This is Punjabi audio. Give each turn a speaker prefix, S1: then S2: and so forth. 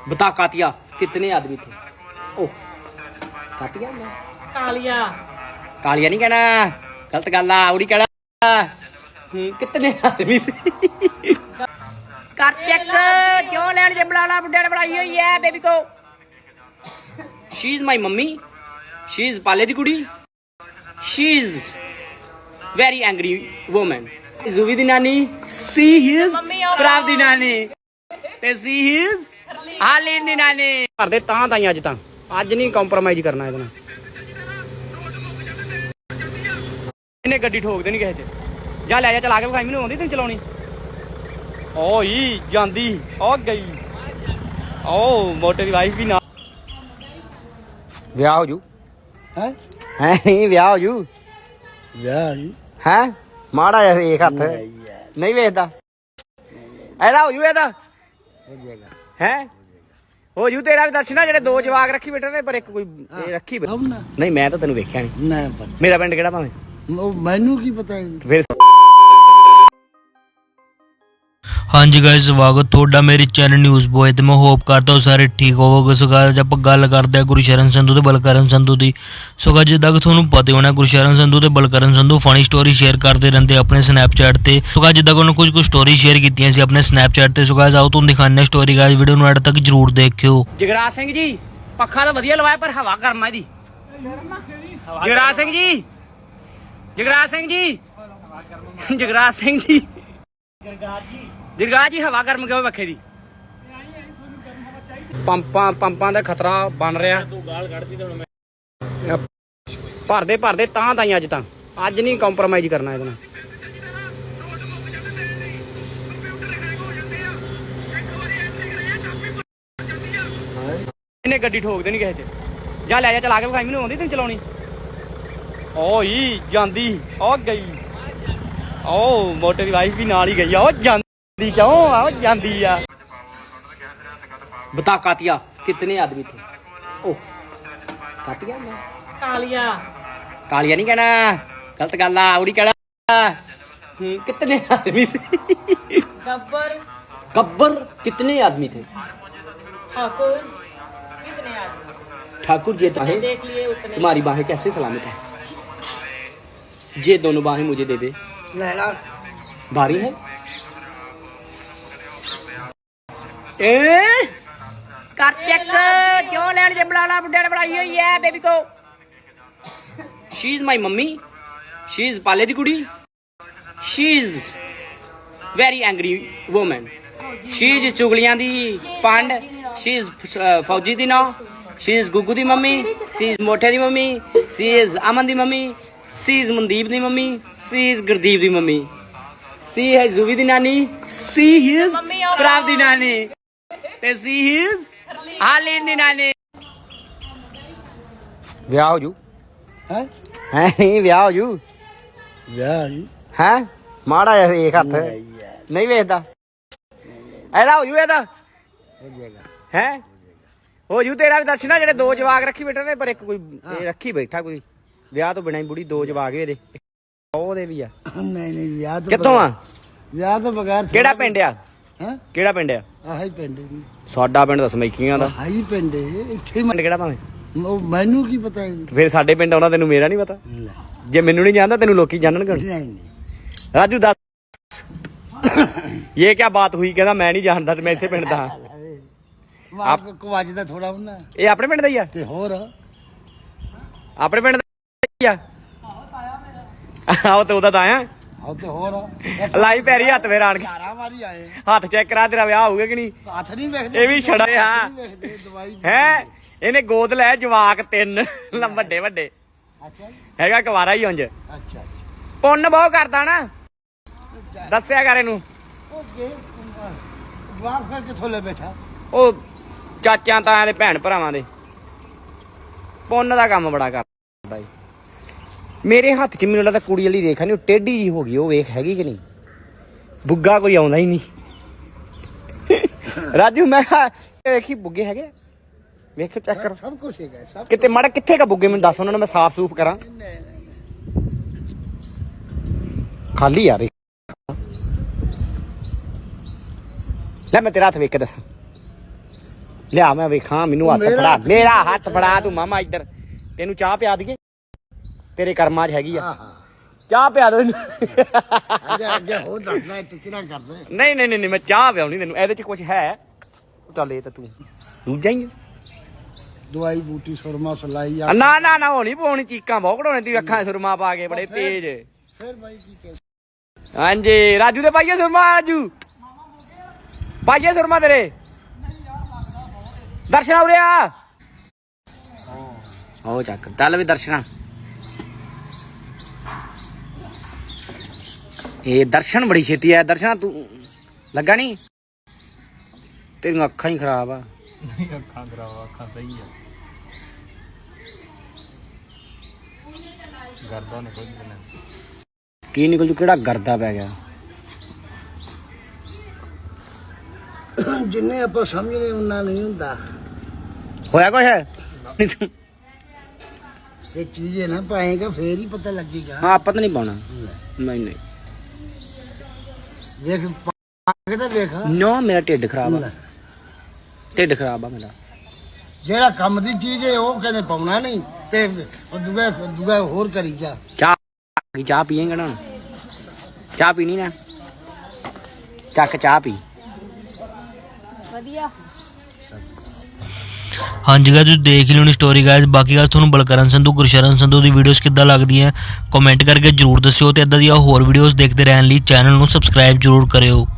S1: बता कातिया कितने आदमी थे? ओ कातिया
S2: कालिया
S1: कालिया नहीं कहना, गलत गल आ। उड़ी कहना कितने आदमी थे? कर चेक क्यों लैन जे बुला ला, बुड्ढे ने बुलाई हुई है बेबी को। She is my mummy, she is पाले दी कुड़ी, she is very angry woman. Juvi दी नानी, सी इज प्राप दी नानी ते सी इज हालीन दी नानी। घर दे तां ताई अज तां अज नहीं कंप्रोमाइज करना इहदे नाल। इन्हें गड्डी ठोक देनी किसे च। जा लै जा चला के विखाई, मैनूं आउंदी तैनूं चलाउणी। ओ ही जांदी ओ गई ओ मोटे दी वाइफ भी ना। ਵਿਆਹ ਹੋ ਜੂ ਹੈ ਨਹੀਂ ਵਿਆਹ ਹੋ ਜੂ ਵਿਆਹ ਨਹੀਂ ਹੈ ਮਾੜਾ ਜਿਹਾ ਵੇਖ ਹੱਥ ਨਹੀਂ ਵੇਖਦਾ ਇਹਦਾ ਹੋ ਜੂ ਇਹਦਾ ਹੋ ਜਾਏਗਾ ਹੈ ਹੋ ਜੂ ਤੇਰਾ ਵੀ ਦਰਸ਼ਨਾ ਜਿਹੜੇ ਦੋ ਜਵਾਕ ਰੱਖੀ ਬੈਠੇ ਨੇ ਪਰ ਇੱਕ ਕੋਈ ਰੱਖੀ ਨਹੀਂ ਮੈਂ ਤਾਂ ਤੈਨੂੰ ਵੇਖਿਆ ਨਹੀਂ ਮੇਰਾ ਪਿੰਡ ਕਿਹੜਾ ਭਾਵੇਂ ਮੈਨੂੰ ਕੀ ਪਤਾ ਫਿਰ।
S3: हाँ जी गाइस स्वागत थोड़ा मेरे चैनल न्यूज़ बॉय तो मैं होप करता हूँ सारे ठीक होवोगे। सो गाइस आप गल करते हैं गुरशरण संधू ते बलकरण संधू की। सो गाइस जिद्दां कि तुहानूं पता होना गुरशरण संधू ते Balkaran Sandhu funny story share करते रहते अपने स्नैपचैट ते। सो गाइस जिद्दां कि उन्होंने कुछ स्टोरी शेयर कीतियां सी अपने स्नैपचैट ते। सो गाइस आओ तुहानूं दिखाने स्टोरी गाइस, वीडियो नूं एंड तक जरूर देखियो।
S1: जगराज सिंह जी पक्खा तो वधिया लवाया पर हवा गर्म है दी। जगराज सिंह जी, जगराज सिंह जी, जगराज सिंह जी, ਜਗਰਾਜ ਜੀ ਹਵਾ ਗਰਮ ਕਿਉਂ ਵੱਖੇ ਦੀ? ਪੰਪਾਂ ਦਾ ਖਤਰਾ ਬਣ ਰਿਹਾ। ਭਰਦੇ ਤਾਂ ਤਾਈ ਅੱਜ ਤਾਂ ਅੱਜ ਨਹੀਂ ਕੰਪਰੋਮਾਈਜ਼ ਕਰਨਾ ਇਹਦੇ ਨਾਲ। ਇਹਨੇ ਗੱਡੀ ਠੋਕ ਦੇਣੀ ਕਿਸੇ ਚ। ਜਾ ਲੈ ਜਾ ਚਲਾ ਕੇ ਵਿਖਾਈ, ਮੈਨੂੰ ਆਉਂਦੀ ਤੈਨੂੰ ਚਲਾਉਣੀ। ਓ ਹੀ ਜਾਂਦੀ ਉਹ ਗਈ ਉਹ ਮੋਟੇ ਦੀ ਵਾਈਫ ਵੀ ਨਾਲ ਹੀ ਗਈ ਆ। ਉਹ ਜਾਂਦੀ क्यों आओ जाती है। बता कातिया कितने आदमी थे? ओ कातिया
S2: कालिया
S1: कालिया नहीं कहना, गलत गल आ। उड़ी कहना कितने आदमी थे?
S2: गब्बर
S1: गब्बर कितने आदमी थे?
S2: ठाकुर कितने आदमी?
S1: ठाकुर जी तो है।
S2: देख लिए उतने। तुम्हारी
S1: बाहें कैसे सलामत है? ये दोनों बाहें मुझे दे दे। भारी है कर चेक क्यों लैन जे बुला ला, बुड्ढे ने बुलाई हुई है बेबी को। She is my mummy, she is पाले दी कुड़ी, she is very angry woman. She is चुगलियां दी पंड, शी इज फौजी दी नौ, शी इज गुग्गू दी मम्मी, शी इज मोठे दी मम्मी, शी इज अमन दी मम्मी, शी इज मनदीप दी मम्मी, शी इज गुरदीप दी मम्मी, सी है जूवी दी नानी, सी इज प्राप दी नानी ते सी इज हालीन दी नानी। ਵਿਆਹ ਹੋ ਜੂ ਹੈ ਨਹੀਂ ਵਿਆਹ ਹੋ ਜੂ ਵਿਆਹ ਨਹੀਂ ਹੈ ਮਾੜਾ ਜਿਹਾ ਵੇਖ ਹੱਥ ਨਹੀਂ ਵੇਖਦਾ ਇਹਦਾ ਹੋ ਜੂ ਇਹਦਾ ਹੋ ਜਾਏਗਾ ਹੈ ਹੋ ਜੂ ਤੇਰਾ ਵੀ ਦਰਸ਼ਨਾ ਜਿਹੜੇ ਦੋ ਜਵਾਕ ਰੱਖੀ ਬੈਠੇ ਨੇ ਪਰ ਇੱਕ ਕੋਈ ਰੱਖੀ ਬੈਠਾ ਕੋਈ ਵਿਆਹ ਤੋਂ ਬਿਨਾਂ ਹੀ ਬੁੜੀ ਦੋ ਜਵਾਕ ਇਹਦੇ ਉਹਦੇ ਵੀ ਆ। ਨਹੀਂ ਵਿਆਹ ਤੋਂ ਕਿੱਥੋਂ ਆ? ਵਿਆਹ ਤੋਂ ਬਗੈਰ ਕਿਹੜਾ ਪਿੰਡ ਆ? ਹੈ ਕਿਹੜਾ ਪਿੰਡ ਆ? ਆਹੀ ਪਿੰਡ ਸਾਡਾ ਪਿੰਡ ਤਾਂ ਸਮੈਕੀਆਂ ਦਾ ਆਹੀ ਪਿੰਡ ਇੱਥੇ ਪਿੰਡ ਕਿਹੜਾ ਭਾਵੇਂ ਮੈਨੂੰ ਕੀ ਪਤਾ ਫਿਰ ਸਾਡੇ ਪਿੰਡ ਆਉਣਾ ਤੈਨੂੰ ਮੇਰਾ ਨਹੀਂ ਪਤਾ। ਜੇ ਮੈਨੂੰ ਨਹੀਂ ਜਾਣਦਾ ਤੈਨੂੰ ਲੋਕੀ ਜਾਣਨਗੇ। ਨਹੀਂ ਰਾਜੂ ਦੱਸ ਇਹ ਕੀ ਬਾਤ ਹੋਈ? ਕਹਿੰਦਾ ਮੈਂ ਨਹੀਂ ਜਾਣਦਾ ਤੇ ਮੈਂ ਇਸੇ ਪਿੰਡ ਦਾ ਹਾਂ। ਆਪ ਕੋ ਵੱਜਦਾ ਥੋੜਾ ਹੁੰਦਾ। ਇਹ ਆਪਣੇ ਪਿੰਡ ਦਾ ਹੀ ਆ ਤੇ ਹੋਰ ਆਪਣੇ ਪਿੰਡ ਦਾ ਹੀ ਆ। ਆਹੋ ਤੇ ਉਹਦਾ ਤਾਂ ਆਇਆ ਤੇ ਹੋਰ ਲਾਈ ਪੈਰੀ ਹੱਥ ਫੇਰ ਆਣ ਕੇ ਹੱਥ ਚੈੱਕ ਕਰਾ ਤੇਰਾ ਵਿਆਹ ਹੋਊਗਾ ਕਿ ਨਹੀਂ? ਹੱਥ ਨਹੀਂ ਵੇਖਦੇ ਇਹ ਵੀ ਛੜਾ ਹਾਂ ਹੈ। ਇਹਨੇ ਗੋਦ ਲੈ ਜਵਾਕ 3 ਵੱਡੇ ਵੱਡੇ ਹੈਗਾ ਕੁਵਾਰਾ ਹੀ ਉਂਝ। ਅੱਛਾ ਪੁੰਨ ਬਹੁਤ ਕਰਦਾ ਨਾ ਦੱਸਿਆ ਕਰ ਇਹਨੂੰ। ਕਿੱਥੋਂ ਲੈ ਬੈਠਾ ਉਹ ਚਾਚਿਆਂ ਤਾਇਆਂ ਦੇ ਭੈਣ ਭਰਾਵਾਂ ਦੇ ਪੁੰਨ ਦਾ ਕੰਮ ਬੜਾ ਕਰਦਾ ਜੀ। ਮੇਰੇ ਹੱਥ 'ਚ ਮੈਨੂੰ ਲੱਗਦਾ ਕੁੜੀ ਵਾਲੀ ਰੇਖਾ ਨਹੀਂ ਉਹ ਟੇਢੀ ਜੀ ਹੋ ਗਈ। ਉਹ ਵੇਖ ਹੈਗੀ ਕਿ ਨਹੀਂ? ਬੁੱਗਾ ਕੋਈ ਆਉਂਦਾ ਹੀ ਨਹੀਂ। ਰਾਜੂ ਮੈਂ ਕਿਹਾ ਵੇਖੀ ਬੁੱਗੇ ਹੈਗੇ ਵੇਖ ਚੈੱਕ ਕਰ ਸਭ ਕੁਝ ਹੈਗਾ ਕਿਤੇ ਮਾੜਾ ਕਿੱਥੇ ਕਾ ਬੁੱਗੇ ਮੈਨੂੰ ਦੱਸ ਉਹਨਾਂ ਨੂੰ ਮੈਂ ਸਾਫ਼ ਸੂਫ ਕਰਾਂ। ਖਾਲੀ ਯਾਰ ਲੈ ਮੈਂ ਤੇਰਾ ਹੱਥ ਵੇਖ ਕੇ ਦੱਸਾਂ ਲਿਆ ਮੈਂ ਵੇਖਾਂ ਮੈਨੂੰ ਹੱਥ ਫੜਾ ਮੇਰਾ ਹੱਥ ਫੜਾ ਤੂੰ ਮਾਮਾ ਇੱਧਰ ਤੈਨੂੰ ਚਾਹ ਪਿਆ ਦਈਏ ਤੇਰੇ ਕਰਮਾਂ 'ਚ ਹੈਗੀ ਆ ਚਾਹ ਪਿਆ ਦੋ
S4: ਅੱਗੇ ਹੋਰ ਦੱਸਣਾ ਤੂੰ ਕਿਹੜਾ ਕਰਦਾ
S1: ਨਹੀਂ ਮੈਂ ਚਾਹ ਪਿਆਉਣੀ ਤੈਨੂੰ ਇਹਦੇ 'ਚ ਕੁਝ ਹੈ ਚੱਲ ਇਹ ਤਾਂ ਤੂੰ ਦੂਜਾ ਹੀ
S4: ਦਵਾਈ ਬੂਟੀ ਸੁਰਮਾ ਸਲਾਈ ਆ
S1: ਨਾ ਹੋਣੀ ਪਾਉਣੀ ਚੀਕਾਂ ਬਹੁਤ ਕਢਾਉਣੇ ਤੂੰ ਅੱਖਾਂ ਸੁਰਮਾ ਪਾ ਕੇ ਬੜੇ ਤੇਜ਼
S4: ਫਿਰ ਬਾਈ ਕੀ ਕਹਿ
S1: ਹਾਂਜੀ ਰਾਜੂ ਦੇ ਪਾਈਏ ਸੁਰਮਾ ਰਾਜੂ ਪਾਈਏ ਸੁਰਮਾ ਤੇਰੇ ਦਰਸ਼ਨ ਉਰੇ ਆ ਉਹ ਚੱਕ ਚੱਲ ਵੀ ਦਰਸ਼ਨਾ ਇਹ ਦਰਸ਼ਨ ਬੜੀ ਛੇਤੀ ਆ ਦਰਸ਼ਨਾ ਤੂੰ ਲੱਗਾ ਨਹੀਂ ਤੇਰੀਆਂ ਅੱਖਾਂ ਹੀ ਖਰਾਬ ਆ
S3: ਨਹੀਂ ਅੱਖਾਂ ਖਰਾਬ ਅੱਖਾਂ ਸਹੀ ਆ ਗਰਦਾ ਨਿਕਲ ਜਣਾ
S1: ਕੀ ਨਿਕਲ ਜੂ ਕਿਹੜਾ ਗਰਦਾ ਪੈ ਗਿਆ
S4: ਜਿੰਨੇ ਆਪਾਂ ਸਮਝਦੇ ਉਹਨਾਂ ਨਹੀਂ ਹੁੰਦਾ
S1: ਹੋਇਆ ਕੁਛ
S4: ਇਹ ਚੀਜ਼ ਹੈ ਨਾ ਪਾਏਗਾ ਫੇਰ ਹੀ ਪਤਾ ਲੱਗੇਗਾ
S1: ਹਾਂ ਆਪਾਂ ਤਾਂ ਨਹੀਂ ਪਾਉਣਾ ਨਹੀਂ
S4: ਵੇਖ ਪਾ ਕੇ ਤਾਂ ਵੇਖ
S1: ਨੋ ਮੇਰਾ ਢਿੱਡ ਖਰਾਬ ਆ ਢਿੱਡ ਖਰਾਬ ਆ ਮੇਰਾ
S4: ਜਿਹੜਾ ਕੰਮ ਦੀ ਚੀਜ਼ ਹੈ ਉਹ ਕਹਿੰਦੇ ਪਾਉਣਾ ਨਹੀਂ ਤੇ ਦੁਗਾ ਹੋਰ ਕਰੀ ਜਾ
S1: ਚਾਹ ਪੀਏਂਗਾ ਨਾ ਚਾਹ ਪੀਣੀ ਨਾ ਚੱਕ ਚਾਹ ਪੀ
S2: ਵਧੀਆ
S3: ਹਾਂਜੀ ਗਾਇਸ ਤੁਸੀਂ ਦੇਖ ਹੀ ਲਿਓਣੀ ਸਟੋਰੀ ਗਾਇਸ ਬਾਕੀ ਗੱਲ ਤੁਹਾਨੂੰ ਬਲਕਰਨ ਸੰਧੂ ਗੁਰਸ਼ਰਨ ਸੰਧੂ ਦੀ ਵੀਡੀਓਜ਼ ਕਿੱਦਾਂ ਲੱਗਦੀਆਂ ਕਮੈਂਟ ਕਰਕੇ ਜਰੂਰ ਦੱਸਿਓ ਤੇ ਇਦਾਂ ਦੀਆਂ ਹੋਰ ਵੀਡੀਓਜ਼ ਦੇਖਦੇ ਰਹਿਣ ਲਈ ਚੈਨਲ ਨੂੰ ਸਬਸਕ੍ਰਾਈਬ ਜਰੂਰ ਕਰਿਓ।